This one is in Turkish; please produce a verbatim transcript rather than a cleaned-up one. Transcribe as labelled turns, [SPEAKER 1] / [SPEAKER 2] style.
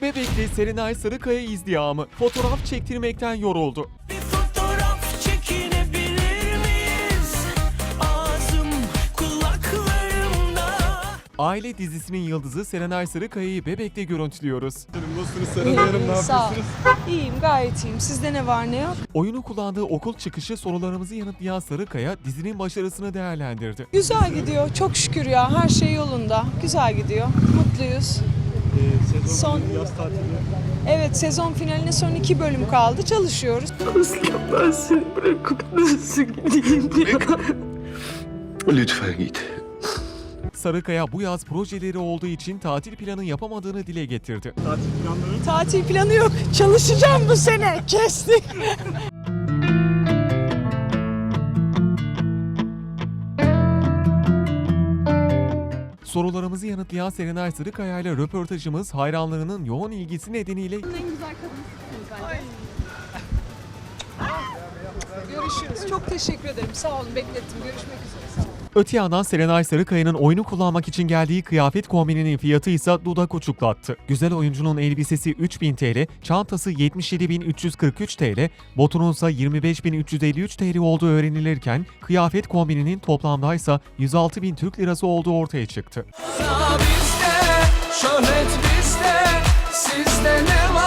[SPEAKER 1] Bebek'te Serenay Sarıkaya izdihamı fotoğraf çektirmekten yoruldu.
[SPEAKER 2] Bir fotoğraf çekinebilir miyiz? Ağzım kulaklarımda.
[SPEAKER 1] Aile dizisinin yıldızı Serenay Sarıkaya'yı Bebek'te görüntülüyoruz.
[SPEAKER 3] Nasılsınız Serenay Hanım, ne
[SPEAKER 4] Sağ ol.
[SPEAKER 3] yapıyorsunuz?
[SPEAKER 4] İyiyim, gayet iyiyim. Sizde ne var ne yok?
[SPEAKER 1] Oyunu kullandığı okul çıkışı sorularımızı yanıtlayan Sarıkaya dizinin başarısını değerlendirdi.
[SPEAKER 4] Güzel gidiyor, çok şükür ya. Her şey yolunda. Güzel gidiyor. Mutluyuz.
[SPEAKER 3] Ee, sezon
[SPEAKER 4] Son-
[SPEAKER 3] finali, yaz tatili.
[SPEAKER 4] Evet, sezon finaline son iki bölüm kaldı. Çalışıyoruz.
[SPEAKER 5] Ben seni bırakıp nasıl gideyim ya?
[SPEAKER 6] Lütfen git.
[SPEAKER 1] Sarıkaya bu yaz projeleri olduğu için tatil planı yapamadığını dile getirdi.
[SPEAKER 3] Tatil planları.
[SPEAKER 4] Tatil planı yok. Çalışacağım bu sene. Kestik.
[SPEAKER 1] Sorularımızı yanıtlayan Serenay Sarıkaya ile röportajımız hayranlarının yoğun ilgisi nedeniyle
[SPEAKER 4] Görüşürüz. Çok teşekkür ederim. Sağ olun. Beklettim. Görüşmek üzere. Sağ olun.
[SPEAKER 1] Öte yandan Serenay Sarıkaya'nın oyunu kullanmak için geldiği kıyafet kombininin fiyatı ise dudak uçuklattı. Güzel oyuncunun elbisesi üç bin T L, çantası yetmiş yedi bin üç yüz kırk üç T L, botunun ise yirmi beş bin üç yüz elli üç T L olduğu öğrenilirken kıyafet kombininin toplamda ise yüz altı bin Türk Lirası olduğu ortaya çıktı.
[SPEAKER 2] Bizde, şöhret bizde, sizde ne var?